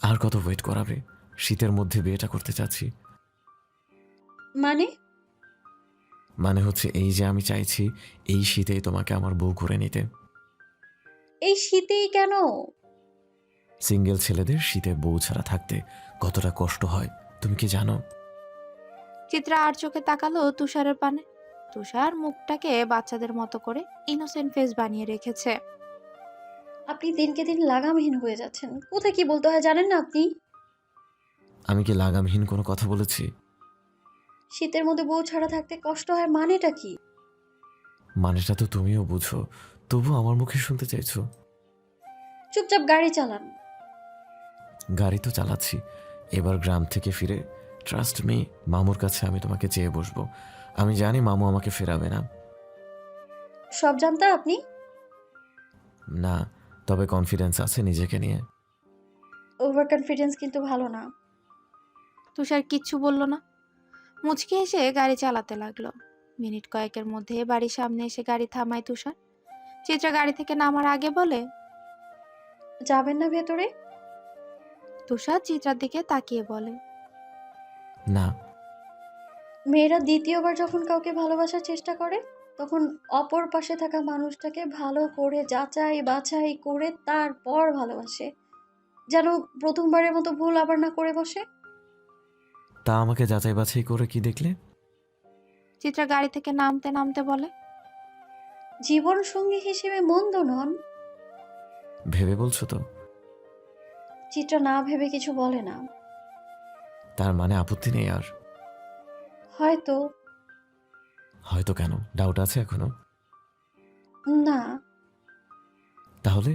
আর কত ওয়েট করাবে? শীতের মধ্যে বিয়েটা করতে চাচ্ছি। মানে? মানে হচ্ছে এই যে আমি চাইছি এই শীতেই তোমাকে আমার বউ করে নিতে। এই শীতেই কেন? সিঙ্গেল ছেলেদের শীতে বউ ছাড়া থাকতে কতটা কষ্ট হয় তুমি কি জানো? চিত্রা আর চোখে তাকালো তুষারের পানে। তুষার মুখটাকে বাচ্চাদের মতো করে ইনোসেন্ট ফেস বানিয়ে রেখেছে। আপনি দিনকে দিন লাগামহীন হয়ে যাচ্ছেন। কোথায় কি বলতে হয় জানেন না আপনি? আমি কি লাগামহীন কোনো কথা বলেছি? শীতের মধ্যে বউ ছাড়া থাকতে কষ্ট হয় মানেটা কি? মানেটা তো তুমিও বুঝো, তবু আমার মুখে শুনতে চাইছো। চুপচাপ গাড়ি চালান। গাড়ি তো চালাচ্ছি। এবার গ্রাম থেকে ফিরে ট্রাস্ট মি, মামুর কাছে আমি তোমাকে চেয়ে বসবো। আমি জানি মামু আমাকে ফেরাবে না। সব জানতা আপনি? না, তবে কনফিডেন্স আছে নিজেকে নিয়ে। ওভার কনফিডেন্স কিন্তু ভালো না। তুষার কিচ্ছু বলল না, মুচকি এসে গাড়ি চালাতে লাগলো। মিনিট কয়েকের মধ্যে বাড়ির সামনে এসে গাড়ি থামায় তুষার। চিত্রা গাড়ি থেকে নামার আগে বলে, যাবেন না ভেতরে? তুষার চিত্রার দিকে তাকিয়ে বলে, না। মেয়েরা দ্বিতীয়বার যখন কাউকে ভালোবাসার চেষ্টা করে, তখন অপর পাশে থাকা মানুষটাকে ভালো করে যাচাই বাছাই করে তারপর ভালোবাসে, যেন প্রথমবারের মতো ভুল আবার না করে বসে। তা আমাকে যাচাই বাছাই করে কি দেখলে? চিত্রা গাড়ি থেকে নামতে নামতে বলে, জীবন সঙ্গী হিসেবে মন্দ নন। ভেবে বলছো তো? চিত্রা না ভেবে কিছু বলে না। তার মানে আপত্তি নেই আর? হয়তো। হয়তো কেন, ডাউট আছে এখনো? না। তাহলে?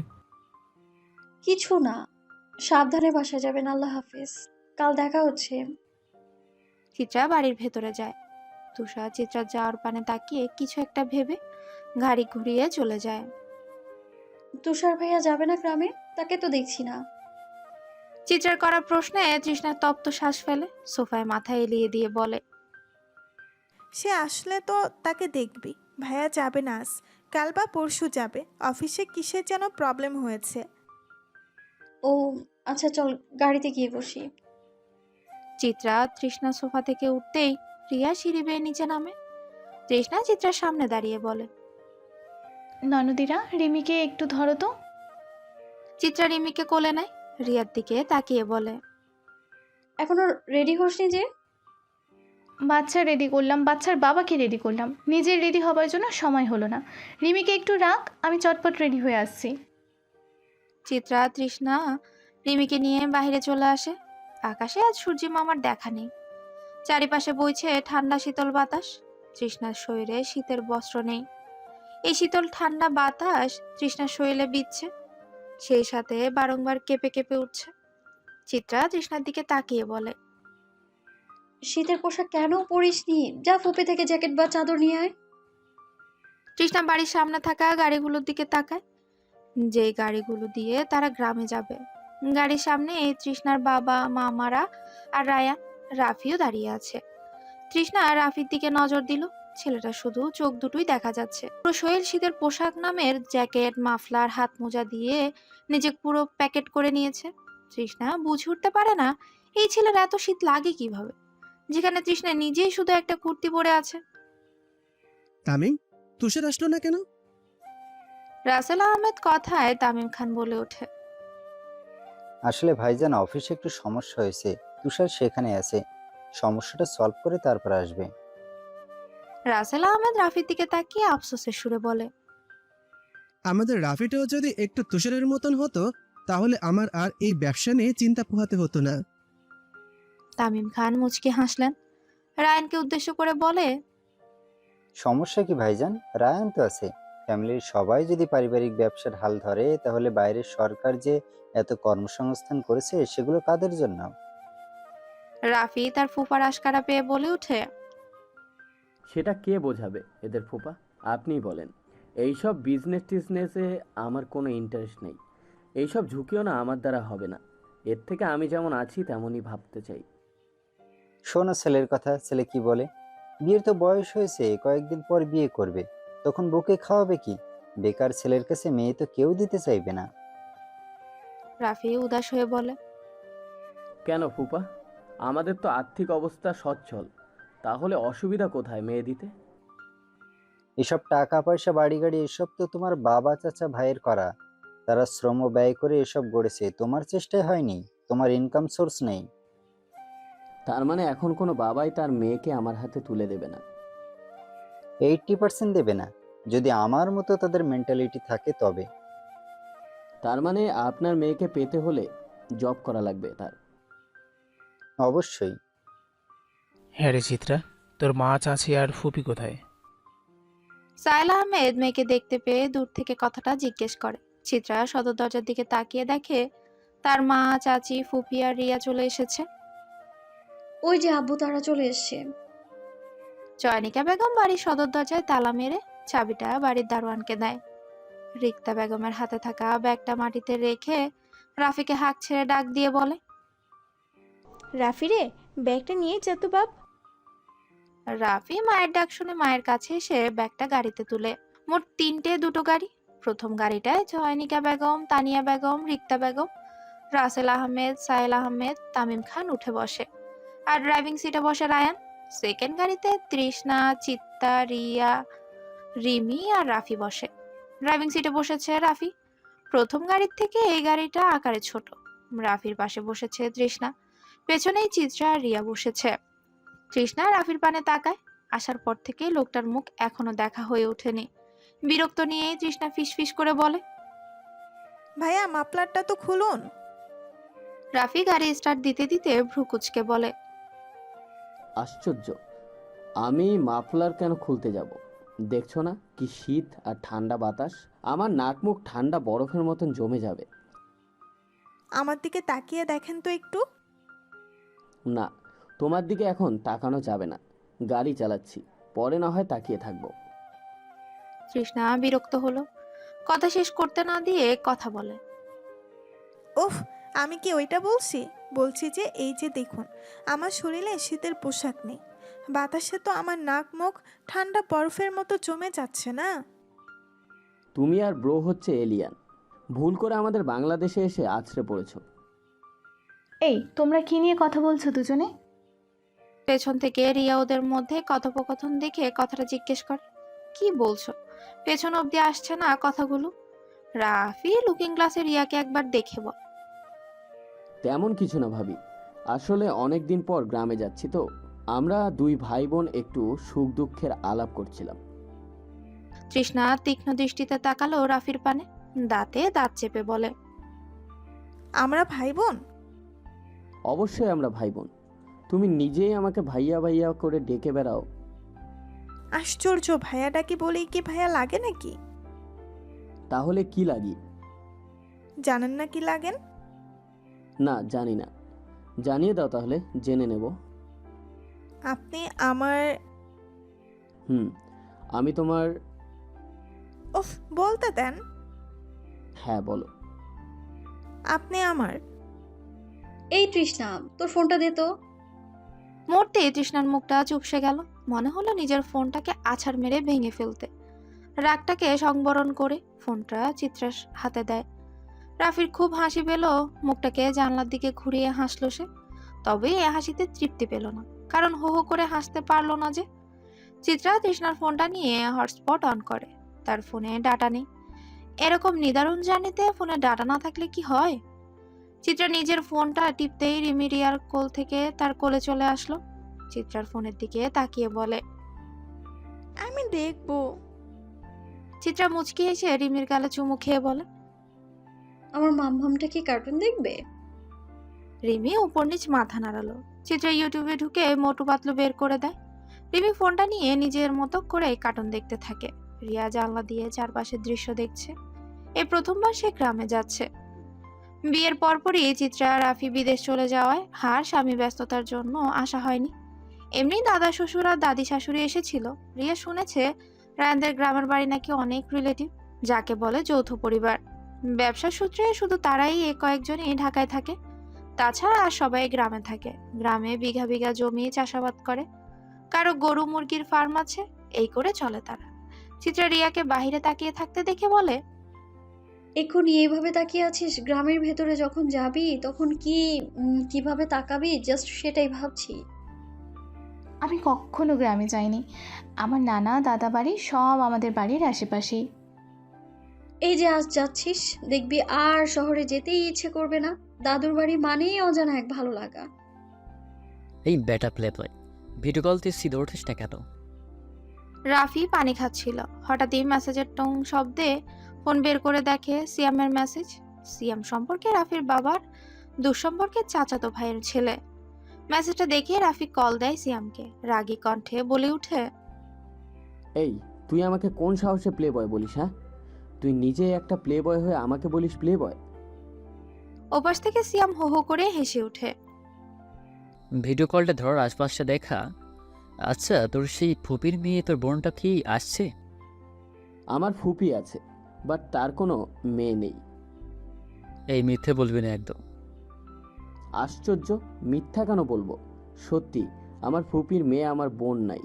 কিছু না। সাবধানে বাসায় যাবেন। আল্লাহ হাফিজ। কাল দেখা হচ্ছে। চিত্রা বাড়ির ভেতরে যায়। তুষার চিত্রার যাওয়ার পানে তাকিয়ে কিছু একটা ভেবে গাড়ি ঘুরিয়ে চলে যায়। তুষার ভাইয়া যাবে না গ্রামে? তাকে তো দেখছি না। চিত্রার করা প্রশ্নে তৃষ্ণা তপ্ত শ্বাস ফেলে, সোফায় মাথা এলিয়ে দিয়ে বলে, সে আসলে তো তাকে দেখবি। ভাইয়া যাবে না আজ, কাল বা পরশু যাবে। অফিসে কিসের যেন প্রবলেম হয়েছে। ও আচ্ছা, চল গাড়িতে গিয়ে বসি। চিত্রা তৃষ্ণা সোফা থেকে উঠতেই রিয়া সিঁড়ি বেয়ে নিচে নামে। তৃষ্ণা চিত্রার সামনে দাঁড়িয়ে বলে, ননদিরা, রিমিকে একটু ধরো তো। চিত্রা রিমিকে কোলে নেয়, রিয়ার দিকে তাকিয়ে বলে, এখনো রেডি হসনি যে? বাচ্চা রেডি করলাম, বাচ্চার বাবাকে রেডি করলাম, নিজের রেডি হবার জন্য সময় হলো না। রিমিকে একটু রাখ, আমি চটপট রেডি হয়ে আসছি। চিত্রা তৃষ্ণা রিমিকে নিয়ে বাইরে চলে আসে। আকাশে আজ সূর্যি মামার দেখা নেই। চারিপাশে বইছে ঠান্ডা শীতল বাতাস। তৃষ্ণার শরীরে শীতের বস্ত্র নেই। এই শীতল ঠান্ডা বাতাস তৃষ্ণার শরীরে বিচ্ছে, সেই সাথে বারংবার কেঁপে কেঁপে উঠছে। চিত্রা তৃষ্ণার দিকে তাকিয়ে বলে, শীতের পোশাক কেন পরিসনি? যা ফুপে থেকে জ্যাকেট বা চাদর নিয়ে আয়। তৃষ্ণা বাড়ির সামনে থাকা গাড়িগুলোর দিকে তাকায়, যেই গাড়িগুলো দিয়ে তারা গ্রামে যাবে। গাড়ির সামনে এই তৃষ্ণার বাবা মামারা আর রায়ান, রাফিও দাঁড়িয়ে আছে। তৃষ্ণা রাফির দিকে নজর দিল। ছেলেটা শুধু চোখ দুটোই দেখা যাচ্ছে। পুরো শরীর শীতের পোশাক নামের জ্যাকেট মাফলার হাত মোজা দিয়ে নিজে পুরো প্যাকেট করে নিয়েছে। তৃষ্ণা বুঝে উঠতে পারে না এই ছেলের এত শীত লাগে কিভাবে, যেখানে তৃষ্ণা নিজেই শুধু একটা কুর্তি পরে আছে। তামিম, তুষার আসলো না কেন? রাসেল আহমেদ কথায় তামিম খান বলে ওঠে, আসলে ভাইজান অফিসে একটু সমস্যা হয়েছে, তুষার সেখানে আছে। সমস্যাটা সলভ করে তারপর আসবে। রাসেল আহমেদ রাফির দিকে তাকিয়ে আফসোসের সুরে বলে, আমাদের রাফিটাও যদি একটু তুষারের মতন হতো, তাহলে আমার আর এই ব্যবসা নিয়ে চিন্তা পোহাতে হতো না। তামিম খান মুচকি হাসলেন। রায়ানকে উদ্দেশ্য করে বলে, সমস্যা কি ভাইজান? রায়ান তো আছে। ফ্যামিলির সবাই যদি পারিবারিক ব্যবসার হাল ধরে, তাহলে বাইরের সরকার যে এত কর্মসংস্থান করেছে সেগুলো কাদের জন্য? রাফি তার ফুফার আশকারা পেয়ে বলে ওঠে, সেটা কে বোঝাবে এদের ফুপা? আপনিই বলেন। এইসব বিজনেস টিজনেসে আমার কোনো ইন্টারেস্ট নেই। এইসব ঝুঁকিও না আমার দ্বারা হবে না। এর থেকে আমি যেমন আছি তেমনই ভাবতে চাই। শোনো ছেলের কথা, ছেলে কি বলে? বিয়ের তো বয়স হয়েছে, কয়েকদিন পর বিয়ে করবে। তখন বউকে খাওয়াবে কি? বেকার ছেলের কাছে মেয়ে তো কেউ দিতে চাইবে না। রাফি উদাস হয়ে বলে, কেন ফুপা? আমাদের তো আর্থিক অবস্থা সচ্ছল, তাহলে অসুবিধা কোথায় মেয়ে দিতে? এসব টাকা পয়সা বাড়ি গাড়ি এসব তো তোমার বাবা চাচা ভাইয়ের করা। তারা শ্রম ব্যয় করে এসব গড়েছে, তোমার চেষ্টায় হয়নি, তোমার ইনকাম সোর্স নেই। তার মানে এখন কোনো বাবাই তার মেয়েকে আমার হাতে তুলে দেবে না? 80% দেবে না, যদি আমার মতো তাদের মেন্টালিটি থাকে তবে। তার মানে আপনার মেয়েকে পেতে হলে জব করা লাগবে তার? অবশ্যই। হ্যাঁ রে চিত্রা, তোর মা চাচি আর ফুপি কোথায়? সাহেল আহমেদ মেয়েকে দেখতে পেয়ে দূর থেকে কথাটা জিজ্ঞেস করে। চিত্রা সদর দরজার দিকে তাকিয়ে দেখে তার মা, চাচি, ফুফি আর রিয়া চলে এসেছে। ওই যে আব্বু তারা চলে এসছে। চয়নিকা বেগম বাড়ির সদর দরজায় তালা মেরে চাবিটা বাড়ির দারোয়ানকে দেয়। রিক্তা বেগমের হাতে থাকা ব্যাগটা মাটিতে রেখে রাফিকে হাঁক ছেড়ে ডাক দিয়ে বলে, রাফি রে, ব্যাগটা নিয়ে যা তো বাপ। রাফি মায়ের ডাক শুনে মায়ের কাছে এসে ব্যাগটা গাড়িতে তুলে। মোট 3টে, 2টো গাড়ি। প্রথম গাড়িটায় চয়নিকা বেগম, তানিয়া বেগম, রিক্তা বেগম, রাসেল আহমেদ, সাহেল আহমেদ, তামিম খান উঠে বসে, আর ড্রাইভিং সিটে বসে রায়ান। সেকেন্ড গাড়িতে তৃষ্ণা, চিত্তা, রিয়া, রিমি আর রাফি বসে। ড্রাইভিং সিটে বসেছে রাফি। প্রথম গাড়ির থেকে এই গাড়িটা আকারে ছোট। রাফির পাশে বসেছে তৃষ্ণা, পেছনেই চিত্রা আর রিয়া বসেছে। তৃষ্ণা রাফির পানে তাকায়। আসার পর থেকে লোকটার মুখ এখনো দেখা হয়ে ওঠেনি। বিরক্ত নিয়েই তৃষ্ণা ফিসফিস করে বলে, ভাইয়া মাফলারটা তো খুলুন। রাফি গাড়ি স্টার্ট দিতে দিতে ভ্রু কুচকে বলে, আশ্চর্য, আমি মাফলার কেন খুলতে যাব? দেখছো না কি শীত আর ঠান্ডা বাতাস? আমার নাক মুখ ঠান্ডা বরফের মতন জমে যাবে। আমার দিকে তাকিয়ে দেখেন তো একটু। না, তোমার দিকে এখন তাকানো যাবে না, গাড়ি চালাচ্ছি, পরে না হয় তাকিয়ে থাকবো। তৃষ্ণা বিরক্ত হলো। কথা শেষ করতে না দিয়ে কথা বলে, উফ, আমি কি ওইটা বলছি? বলছি যে এই যে দেখুন, আমার শরীরে শীতের পোশাক নেই, বাতাসে তো আমার নাক মুখ ঠান্ডা বরফের মতো জমে যাচ্ছে না। তুমি আর ব্রো হচ্ছে এলিয়ান, ভুল করে আমাদের বাংলাদেশে এসে আছড়ে পড়েছো। এই তোমরা কি নিয়ে কথা বলছো দুজনে? পেছন থেকে রিয়া ওদের মধ্যে কথোপকথন দেখে কথাটা জিজ্ঞেস করে, কি বলছো? পেছন অব্দি আসছে না কথাগুলো। রাফি লুকিং গ্লাসে রিয়াকে একবার দেখে বলে, তেমন কিছু না ভাবি, আসলে অনেক দিন পর গ্রামে যাচ্ছি তো, আমরা দুই ভাই বোন একটু সুখ দুঃখের আলাপ করছিলাম। তৃষ্ণা তীক্ষ্ণ দৃষ্টিতে তাকালো রাফির পানে, দাঁতে দাঁত চেপে বলে, আমরা ভাই বোন? অবশ্যই আমরা ভাই বোন, তুমি নিজেই আমাকে ভাইয়া ভাইয়া করে ডেকে বেড়াও। আশ্চর্য, ভাইয়া ডাকি বলেই কি ভাইয়া লাগে নাকি? তাহলে কি লাগি? জানেন না কি লাগেন? না, জানি না। জানিয়ে দাও তাহলে, জেনে নেব। আপনি আমার... আমি তোমার... উফ, বলতে দেন। হ্যাঁ বলো। আপনি আমার... এই তৃষ্ণা, তোর ফোনটা দে তো। মুহূর্তে তৃষ্ণার মুখটা চুপসে গেল। মনে হলো নিজের ফোনটাকে আছাড় মেরে ভেঙে ফেলতে। রাগটাকে সংবরণ করে ফোনটা চিত্রার হাতে দেয়। রাফির খুব হাসি পেল, মুখটাকে জানলার দিকে ঘুরিয়ে হাসলো সে। তবে এ হাসিতে তৃপ্তি পেল না, কারণ হো হো করে হাসতে পারলো না যে। চিত্রা তৃষ্ণার ফোনটা নিয়ে হটস্পট অন করে। তার ফোনে ডাটা নেই। এরকম নিদারুণ জার্নিতে ফোনে ডাটা না থাকলে কি হয়? চিত্রা নিজের ফোনটা টিপতেই রিমি রিয়ার কোল থেকে তার কোলে চলে আসলো। চিত্রার ফোনের দিকে তাকিয়ে বলে, আমি দেখবো। চিত্রা মুচকি এসে রিমির গালে চুমু খেয়ে বলে, আমার মামমামটা কি কার্টুন দেখবে? রিমি উপর নিচ মাথা নাড়ালো। চিত্রা ইউটিউবে ঢুকে মোটু পাতলু বের করে দেয়। রিমি ফোনটা নিয়ে নিজের মতো করে কার্টুন দেখতে থাকে। রিয়া জানলা দিয়ে চারপাশের দৃশ্য দেখছে। এই প্রথমবার সে গ্রামে যাচ্ছে। বিয়ের পরপরই চিত্রা রাফি বিদেশ চলে যাওয়ায় আর স্বামী ব্যস্ততার জন্য আসা হয়নি। এমনি দাদা শ্বশুর আর দাদি শাশুড়ি এসেছিল। রিয়া শুনেছে রায়ানদের গ্রামের বাড়ি নাকি অনেক রিলেটিভ, যাকে বলে যৌথ পরিবার। ব্যবসা সূত্রে শুধু তারাই কয়েকজনই ঢাকায় থাকে, তাছাড়া আর সবাই গ্রামে থাকে। গ্রামে বিঘা বিঘা জমি চাষাবাদ করে, কারো গরু মুরগির ফার্ম আছে, এই করে চলে তারা। চিত্রা রিয়াকে বাহিরে তাকিয়ে থাকতে দেখে বলে, এক্ষুনি এইভাবে তাকিয়ে আছিস, গ্রামের ভেতরে যখন যাবি তখন কিভাবে তাকাবি জাস্ট সেটাই ভাবছি। আমি কখনো গ্রামে যাইনি। আমার নানা দাদা বাড়ি সব আমাদের বাড়ির আশেপাশেই। এই যে আজ যাচ্ছিস, দেখবি আর শহরে যেতেই ইচ্ছে করবে না। দাদুর বাড়ি মানেই অজানা এক ভালো লাগা। এই বেটা প্লে বয়, ভিডিও কল দিয়ে সিধে উঠিস না কেন? রাফি পানি খাচ্ছিল। হঠাৎই মেসেজের টং শব্দে ফোন বের করে দেখে সিয়ামের মেসেজ। সিয়াম সম্পর্কে রাফির বাবার দুঃসম্পর্কের চাচাতো ভাইয়ের ছেলে। মেসেজটা দেখে রাফি কল দেয় সিয়ামকে। রাগী কণ্ঠে বলে উঠে, এই, তুই আমাকে কোন সাহসে প্লে বয় বলিস? হ্যাঁ, তুই নিজে একটা প্লে বয় হয়ে আমাকে বলিস প্লে বয়? ওপাশ থেকে সিয়াম হো হো করে হেসে ওঠে। ভিডিও কলটা ধর, আশপাশটা দেখা। আচ্ছা, তোর সেই ফুপির মেয়ে তোর বোনটা কি আসছে? আমার ফুপি আছে, বাট তার কোনো মেয়ে নেই। এই মিথ্যে বলবি না একদম। আশ্চর্য, মিথ্যা কেন বলবো? সত্যি, আমার ফুপির মেয়ে আমার বোন নাই।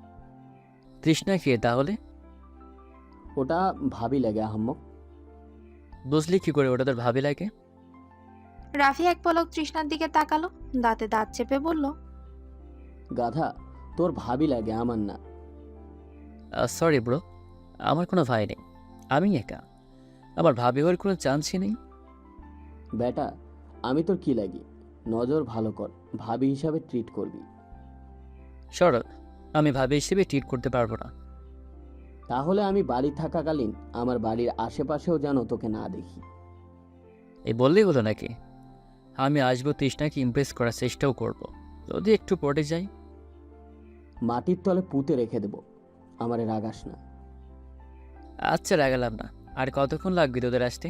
তৃষ্ণা কে তাহলে? ওটা ভাবি লাগে আহাম্মক। বুঝলি কি করে ওটা তোর ভাবি লাগে? রাফি এক পলক তৃষ্ণার দিকে তাকালো, দাঁতে দাঁত চেপে বলল, গাধা, তোর ভাবি লাগে, আমার না। সরি ব্রো, আমার কোনো ভাই নেই, আমি একা। আমার ভাবি হওয়ার কোনো চান্সই নেই। বেটা, আমি তোর কি লাগি? নজর ভালো কর, ভাবি হিসাবে ট্রিট করবি। সরল, আমি ভাবি হিসেবে ট্রিট করতে পারবো না। তাহলে আমি বাড়ি থাকাকালীন আমার বাড়ির আশেপাশেও যেন তোকে না দেখি। এই বললেই হলো নাকি? আমি আসবো, তৃষ্ণাকে ইমপ্রেস করার চেষ্টাও করব। যদি একটু পড়ে যাই, মাটির তলে পুঁতে রেখে দেব। আমারে রাগাস না। আচ্ছা রাগালাম না। আর কতক্ষণ লাগবে তোদের আসতে?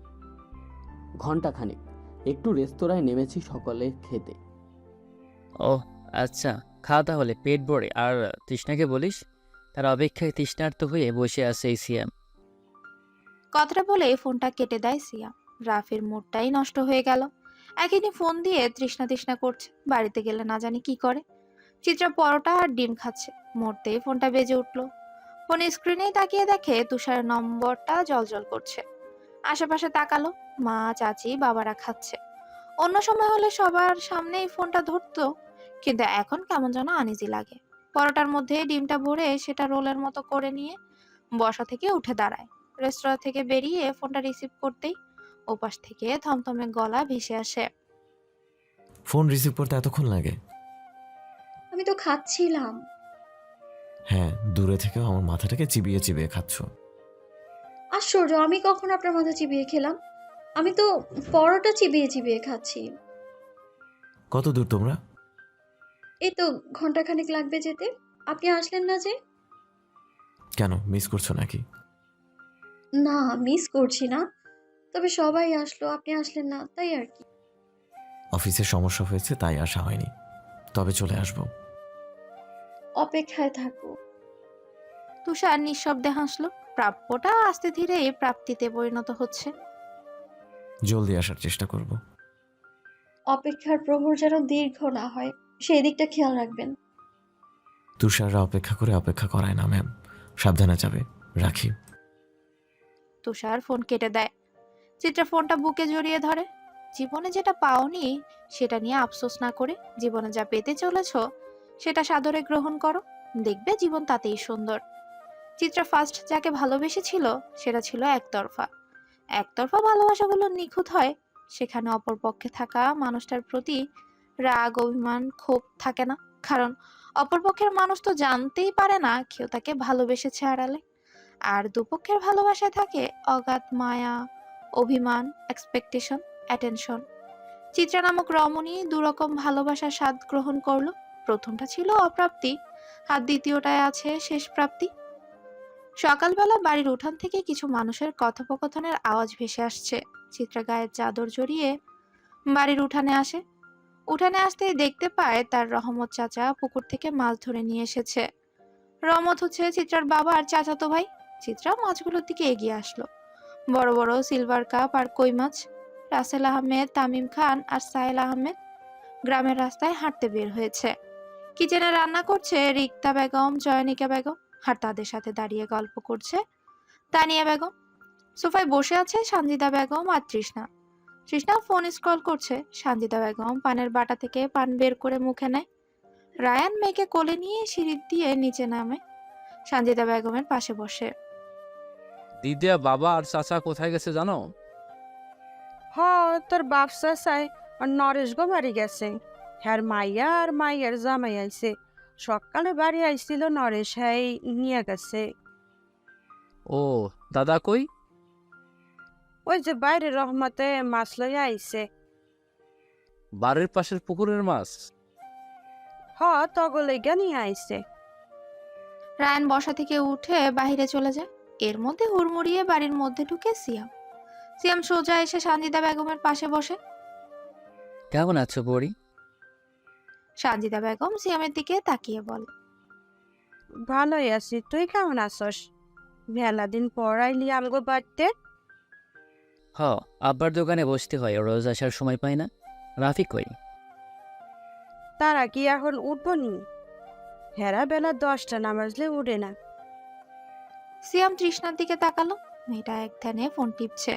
ঘন্টাখানেক। একটু রেস্তোরাঁয় নেমেছি সকালে খেতে। ও আচ্ছা, খা তাহলে পেট ভরে। আর তৃষ্ণাকে বলিস তার অপেক্ষায় তৃষ্ণার্ত হয়ে বসে আছে এই সিয়াম। কথাটা বলে ফোনটা কেটে দেয় সিয়াম। রাফির মুডটাই নষ্ট হয়ে গেল। একদিনই ফোন দিয়ে তৃষ্ণা তৃষ্ণা করছে, বাড়িতে গেলে না জানি কি করে। চিত্রা পরোটা আর ডিম খাচ্ছে, মরতেই ফোনটা বেজে উঠলো। ফোনের স্ক্রিনেই তাকিয়ে দেখে তুষারের নম্বরটা জলজল করছে। আশেপাশে তাকালো, মা চাচি বাবারা খাচ্ছে। অন্য সময় হলে সবার সামনেই ফোনটা ধরতো, কিন্তু এখন কেমন যেন আনইজি লাগে। পরোটার মধ্যে ডিমটা ভরে সেটা রোলের মতো করে নিয়ে বসা থেকে উঠে দাঁড়ায়। রেস্তোরাঁ থেকে বেরিয়ে ফোনটা রিসিভ করতেই ওপাশ থেকে থমথমে গলা ভেসে আসে, ফোন রিসিভ করতে এতক্ষণ লাগে? আমি তো খাচ্ছিলাম। হ্যাঁ, দূরে থেকেও আমার মাথাটাকে চিবিয়ে চিবিয়ে খাচ্ছ। আশ্চর্য, আমি কখন আপনার মাথা চিবিয়ে খেলাম? আমি তো পরোটা চিবিয়ে চিবিয়ে খাচ্ছি। কত দূর তোমরা? এই তো ঘন্টাখানেক লাগবে যেতে। আপনি আসলেন না যে? কেন, মিস করছো নাকি? না, মিস করছি না, তবে সবাই আসলো, আপনি আসলেন না, তাই আর কি। অফিসে সমস্যা হয়েছে তাই আসা হয়নি, তবে চলে আসবো। অপেক্ষায় থাকবো। তুষার নিঃশব্দে হাসলো। প্রাপ্যটা আস্তে ধীরে প্রাপ্তিতে পরিণত হচ্ছে। জলদি আসার চেষ্টা করব। অপেক্ষার প্রহর যেন দীর্ঘ না হয়, সেই দিকটা খেয়াল রাখবেন। তুষাররা অপেক্ষা করে অপেক্ষা করায় না ম্যাম, সাবধানে যাবে। রাখি। তুষার ফোন কেটে দেয়। চিত্রা ফোনটা বুকে জড়িয়ে ধরে। জীবনে যেটা পাওনি সেটা নিয়ে আফসোস না করে জীবনে যা পেতে চলেছ সেটা সাদরে গ্রহণ করো, দেখবে জীবন তাতেই সুন্দর। চিত্রা ফার্স্ট যাকে ভালোবেসেছিল সেটা ছিল একতরফা। একতরফা ভালোবাসাগুলো নিখুঁত হয়, সেখানে অপর পক্ষে থাকা মানুষটার প্রতি রাগ অভিমান ক্ষোভ থাকে না, কারণ অপরপক্ষের মানুষ তো জানতেই পারে না কেউ তাকে ভালোবেসেছে আড়ালে। আর দুপক্ষের ভালোবাসায় থাকে অগাধ মায়া, অভিমান, এক্সপেকটেশন, অ্যাটেনশন। চিত্রা নামক রমণী দুরকম ভালোবাসার স্বাদ গ্রহণ করলো। প্রথমটা ছিল অপ্রাপ্তি, আর দ্বিতীয়টায় আছে শেষ প্রাপ্তি। সকালবেলা বাড়ির উঠান থেকে কিছু মানুষের কথোপকথনের আওয়াজ ভেসে আসছে। চিত্রা গায়ের চাদর জড়িয়ে বাড়ির উঠানে আসে। উঠানে আসতেই দেখতে পায় তার রহমত চাচা পুকুর থেকে মাছ ধরে নিয়ে এসেছে। রহমত হচ্ছে চিত্রার বাবা আর চাচাতো ভাই। চিত্রা মাছগুলোর দিকে এগিয়ে আসলো। বড় বড় সিলভার কাপ আর কই মাছ। রাসেল আহমেদ, তামিম খান আর সাহেল আহমেদ গ্রামের রাস্তায় হাঁটতে বের হয়েছে। কিচেনে রান্না করছে রিক্তা বেগম, জয়নিকা বেগম, আর তাদের সাথে দাঁড়িয়ে গল্প করছে তানিয়া বেগম। সোফায় বসে আছে সানজিদা বেগম আর তৃষ্ণা। তৃষ্ণা ফোন স্ক্রল করছে, সানজিদা বেগম পানের বাটা থেকে পান বের করে মুখে নেয়। রায়ান মেয়েকে কোলে নিয়ে সিঁড়ি দিয়ে নিচে নামে, সানজিদা বেগমের পাশে বসে। দিদিয়া বাবা আর চাচা কোথায় গেছে জানো? হ, তোর বাপ চাচাই আর নরেশ গো বাড়ি গেছে। হ্যার মাইয়া আর মাইয়ার জামাই আইছে। সকালে বাড়ি আইছিল নরেশ, হ্যাঁ নিয়ে গেছে। ও, দাদা কই? ওই যে বাইরে রহমতে মাছ লইয়া আইছে। বাড়ির পাশের পুকুরের মাছ? হ, তগলে গা নিয়ে আইছে। রায়ান বসা থেকে উঠে বাইরে চলে যায়। এর মধ্যে হুড়মুড়িয়ে বাড়ির মধ্যে ঢুকে সিয়াম। সিয়াম সোজা এসে সানজিদা বেগমের পাশে বসে। কেমন আছো বড়ি? সানজিদা বেগম সিয়ামের দিকে তাকিয়ে বলে, ভালোই আছি, তুই কেমন আছস? মেলা দিন পর আইলি আমগো বাড়িতে। হ, আব্বার দোকানে বসতে হয়, রোজ আসার সময় পাই না। রাফি কই? তারা কি এখন উঠবো নি? হেরা বেলা 10টা না বাজলে উঠে না। সিয়াম তৃষ্ণার দিকে তাকালো। মেয়েটা এক ধ্যানে ফোন টিপছে।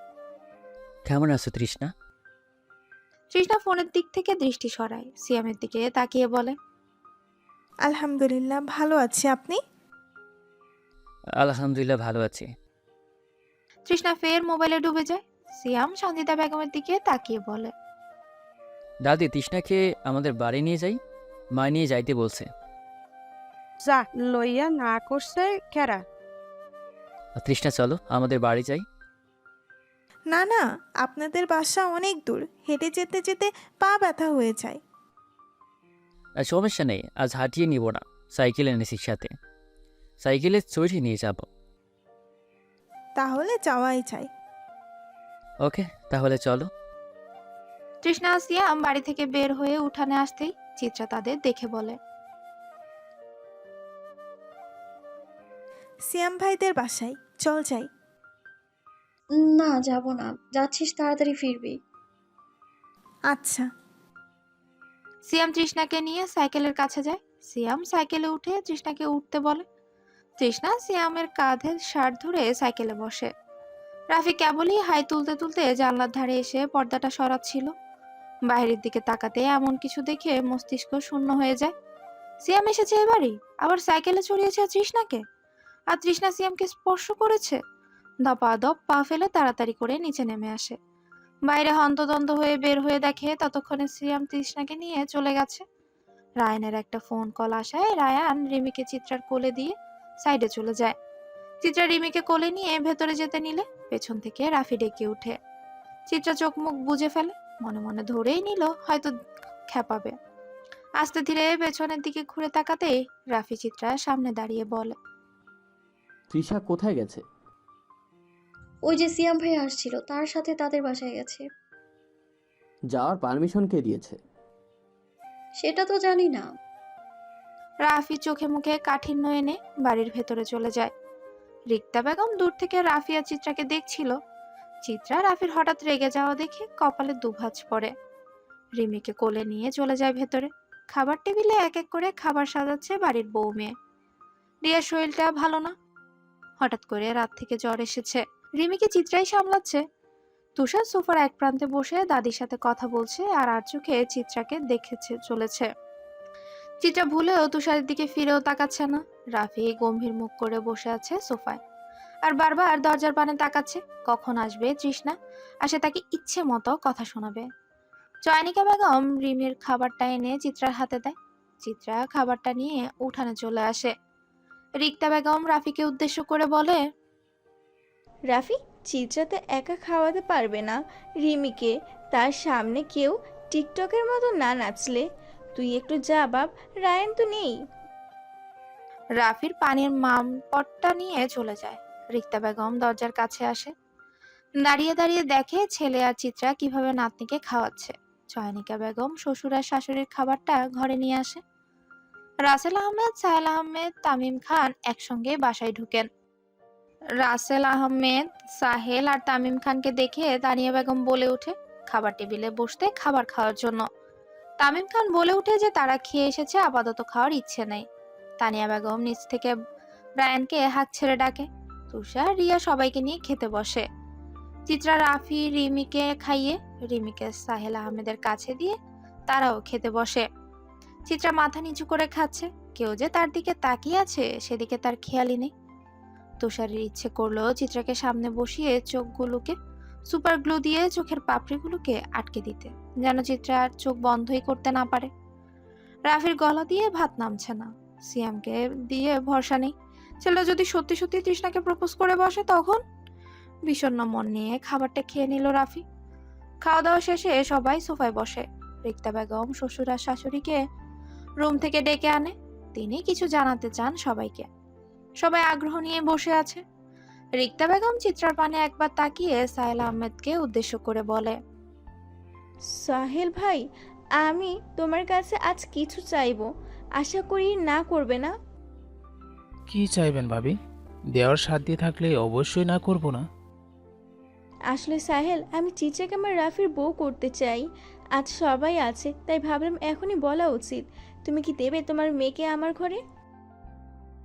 কেমন আছো তৃষ্ণা? তৃষ্ণা ফোনের দিক থেকে দৃষ্টি সরায়, সিয়ামের দিকে তাকিয়ে বলে, আলহামদুলিল্লাহ ভালো আছি, আপনি? আলহামদুলিল্লাহ ভালো আছি। তৃষ্ণা ফের মোবাইলে ডুবে যায়। সিয়াম সানজিদা বেগমের দিকে তাকিয়ে বলে, দাদি তৃষ্ণাকে আমাদের বাড়ি নিয়ে যাই, মা নিয়ে যাইতে বলছে। যা লইয়া না করছে কেরা? তৃষ্ণা চলো আমাদের বাড়ি যাই। না না, আপনাদের বাসা অনেক দূর, হেঁটে যেতে যেতে পা ব্যথা হয়ে যায়। সমস্যা নেই, আজ হাঁটিয়ে নিব না, সাইকেল এনেছি সাথে, সাইকেলে চড়ে নিয়ে যাব। তাহলে যাওয়াই চাই। ওকে, তাহলে চলো। তৃষ্ণা আর সিয়াম বাড়ি থেকে বের হয়ে উঠানে আসতেই চিত্রা তাদের দেখে বলে, সিয়াম ভাইদের বাসায় চল যাই। না, যাব না। যাচ্ছিস তাড়াতাড়ি ফিরবি। আচ্ছা। সিয়াম তৃষ্ণাকে নিয়ে সাইকেলের কাছে যায়। সিয়াম সাইকেলে উঠে তৃষ্ণাকে উঠতে বলে। তৃষ্ণা সিয়ামের কাঁধে শার্ট ধরে সাইকেলে বসে। রাফি কেবলই হাই তুলতে তুলতে জানলার ধারে এসে পর্দাটা সরাচ্ছিল। বাইরের দিকে তাকাতে এমন কিছু দেখে মস্তিষ্ক শূন্য হয়ে যায়। সিয়াম এসেছে এবারই, আবার সাইকেলে চড়িয়েছে তৃষ্ণাকে, আর তৃষ্ণা সিয়ামকে স্পর্শ করেছে। দপাদপ পা ফেলে তাড়াতাড়ি করে নিচে নেমে আসে। বাইরে হন্তদন্ত হয়ে বের হয়ে দেখে ততক্ষণে সিয়াম তৃষ্ণাকে নিয়ে চলে গেছে। রায়ানের একটা ফোন কল আসায় রায়ান রিমিকে চিত্রার কোলে দিয়ে সাইডে চলে যায়। চিত্রা রিমিকে কোলে নিয়ে ভেতরে যেতে নিলে পেছন থেকে রাফি ডেকে উঠে। চিত্রা চোখ মুখ বুজে ফেলে, মনে মনে ধরেই নিল হয়তো খেপাবে। আস্তে ধীরে পেছনের দিকে ঘুরে তাকাতেই রাফি চিত্রার সামনে দাঁড়িয়ে বলে, তৃষা কোথায় গেছে? ওই যে সিয়াম ভাই আসছিল, তার সাথে তাদের বাসায় গেছে। যাওয়ার পারমিশন কে দিয়েছে? সেটা তো জানি না। রাফি চোখে মুখে কাঠিন্য এনে বাড়ির ভেতরে চলে যায়। রিক্তা বেগম দূর থেকে রাফি আর চিত্রাকে দেখছিল। চিত্রা রাফির হঠাৎ রেগে যাওয়া দেখে কপালে দুভাঁজ পড়ে। রিমিকে কোলে নিয়ে চলে যায় ভেতরে। খাবার টেবিলে এক এক করে খাবার সাজাচ্ছে বাড়ির বউ মেয়ে। রিয়ার শরীরটা ভালো না, হঠাৎ করে রাত থেকে জ্বর এসেছে। রিমিকে চিত্রাই সামলাচ্ছে। তুষার সোফার এক প্রান্তে বসে দাদির সাথে কথা বলছে আর চোখে চিত্রাকে দেখেছে চলেছে। চিত্রা ভুলেও তুষারের দিকে ফিরেও তাকাচ্ছে না। রাফি গম্ভীর মুখ করে বসে আছে সোফায় আর বারবার দরজার পানে তাকাচ্ছে, কখন আসবে তৃষ্ণা আর সে তাকে ইচ্ছে মতো কথা শোনাবে। চয়নিকা বেগম রিমির খাবারটা এনে চিত্রার হাতে দেয়। চিত্রা খাবারটা নিয়ে উঠানে চলে আসে। রিক্তা বেগম রাফিকে উদ্দেশ্য করে বলে, রাফি, চিত্রাতে একা খাওয়াতে পারবে না রিমিকে, তার সামনে কেউ টিকটকের মতো না নাচলে। তুই একটু যা বাপ, রায়ান তো নেই। রাফির পানির মামপটটা নিয়ে চলে যায়। রিক্তা বেগম দরজার কাছে আসে, দাঁড়িয়ে দাঁড়িয়ে দেখে ছেলে আর চিত্রা কিভাবে নাতনিকে খাওয়াচ্ছে। চয়নিকা বেগম শ্বশুর আর শাশুড়ির খাবারটা ঘরে নিয়ে আসে। রাসেল আহমেদ, সাহেল আহমেদ, তামিম খান একসঙ্গে বাসায় ঢুকেন। রাসেল আহমেদ, সাহেল আর তামিম খানকে দেখে তানিয়া বেগম বলে ওঠে খাবার টেবিলে বসতে খাবার খাওয়ার জন্য। তামিম খান বলে উঠে যে তারা খেয়ে এসেছে, আপাতত খাওয়ার ইচ্ছে নেই। তানিয়া বেগম নিচ থেকে রায়ানকে হাত ছেড়ে ডাকে। তুষার, রিয়া সবাইকে নিয়ে খেতে বসে। চিত্রা রাফি রিমিকে খাইয়ে রিমিকে সাহেল আহমেদের কাছে দিয়ে তারাও খেতে বসে। চিত্রা মাথা নিচু করে খাচ্ছে, কেউ যে তার দিকে তাকিয়ে আছে সেদিকে তার খেয়ালই নেই। তুষারের ইচ্ছে করলো চিত্রাকে সামনে বসিয়ে চোখগুলোকে সুপার গ্লু দিয়ে চোখের পাপড়িগুলোকে আটকে দিতে, যেন চিত্রা আর চোখ বন্ধই করতে না পারে। রাফির গলা দিয়ে ভাত নামছে না, সিয়ামকে দিয়ে ভরসা নেই। ছেলেটা যদি সত্যি সত্যি তৃষ্ণাকে প্রপোজ করে বসে তখন? বিষণ্ণ মন নিয়ে খাবারটা খেয়ে নিল রাফি। খাওয়া দাওয়া শেষে সবাই সোফায় বসে। রিক্তা বেগম শ্বশুর আর শাশুড়িকে রুম থেকে ডেকে আনে, তিনি কিছু জানাতে চান সবাইকে। সবাই আগ্রহ নিয়ে বসে আছে। রিক্তা বেগম চিত্রার পানে একবার তাকিয়ে সাহেল আহমেদকে উদ্দেশ্য করে বলে, সাহেল ভাই, আমি তোমার কাছে আজ কিছু চাইবো, আশা করি না করবে না? কি চাইবেন ভাবি? দেওয়ার সাধ্য থাকলে অবশ্যই না করব না। আসলে সাহেল, আমি চিত্রাকে আমার রাফির বউ করতে চাই। আজ সবাই আছে, তাই ভাবলাম এখনই বলা উচিত। তুমি কি দেবে তোমার মেয়েকে আমার ঘরে?